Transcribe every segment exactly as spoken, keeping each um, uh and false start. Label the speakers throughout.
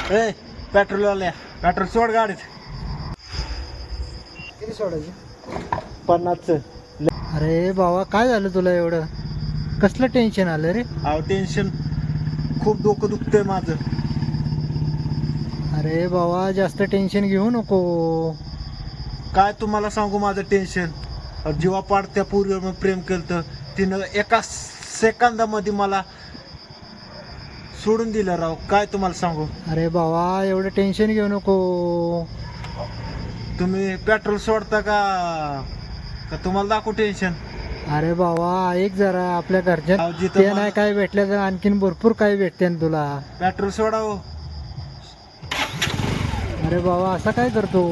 Speaker 1: ए petrol आल्या petrol सोड गाडीत.
Speaker 2: किती सोडायची?
Speaker 1: पन्नासचं.
Speaker 2: अरे बाबा काय झालं तुला एवढं? कसलं टेन्शन आलं रे?
Speaker 1: अहो टेन्शन खूप डोकं दुखतंय माझं.
Speaker 2: अरे बाबा जास्त टेन्शन घेऊ नको.
Speaker 1: काय तुम्हाला सांगू माझं टेन्शन. जीवा पाडत्या पूर्वीवर मी प्रेम केलं, तिनं एका सेकंदामध्ये मला सोडून दिलं राव. काय तुम्हाला सांगू.
Speaker 2: अरे बाबा एवढं टेन्शन घेऊ नको.
Speaker 1: तुम्ही पेट्रोल सोडता का का तुम्हाला दाखवू टेन्शन.
Speaker 2: अरे बाबा ऐक जरा, आपल्या घरच्यात
Speaker 1: अहो, जिथं
Speaker 2: ते
Speaker 1: मला-
Speaker 2: नाही काय भेटलं तर आणखीन भरपूर काय भेटते ना तुला.
Speaker 1: पेट्रोल सोडा हो.
Speaker 2: अरे बाबा असं काय करतो?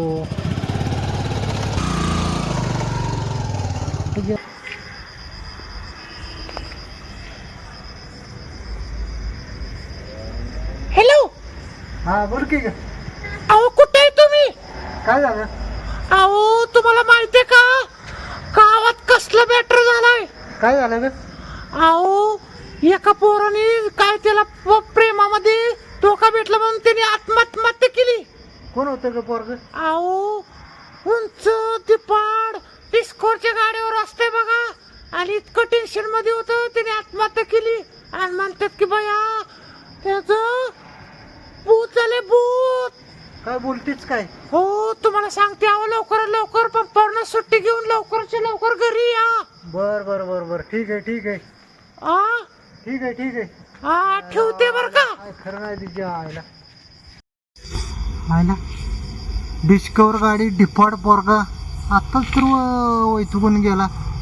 Speaker 3: हॅलो.
Speaker 2: हा बोल की ग.
Speaker 3: अहो कुठे आहे तुम्ही?
Speaker 2: काय झालं?
Speaker 3: अहो तुम्हाला माहितीये का गावात कसला मॅटर झालाय?
Speaker 2: काय झालं ग?
Speaker 3: अहो एका पोराने काय त्याला प- प्रेमामध्ये धोका भेटला म्हणून त्याने आत्महत्या केली.
Speaker 2: कोण होतं ग पोरग?
Speaker 3: अहो उंच दिपाड डिस्कोरच्या गाडीवर असते बघा, आणि इतकं टेन्शन मध्ये होतं त्याने आत्महत्या केली. आणि म्हणतात की बया त्याच भूत झाले भूत.
Speaker 2: काय बोलतीच काय?
Speaker 3: हो तुम्हाला सांगते, अहो लवकर लवकर पंपावरनं सुट्टी घेऊन लवकरच्या लवकर घरी या.
Speaker 2: बर बर बर बर ठीक आहे ठीक आहे
Speaker 3: आ
Speaker 2: ठीक आहे ठीक आहे.
Speaker 3: हा ठेवते बर का.
Speaker 2: काय खरं नाही तिच्या आईला. आईला डिस्कवर गाडी डिफॉल्ट पोरगा आत्ताच तर वैतुकून गेला.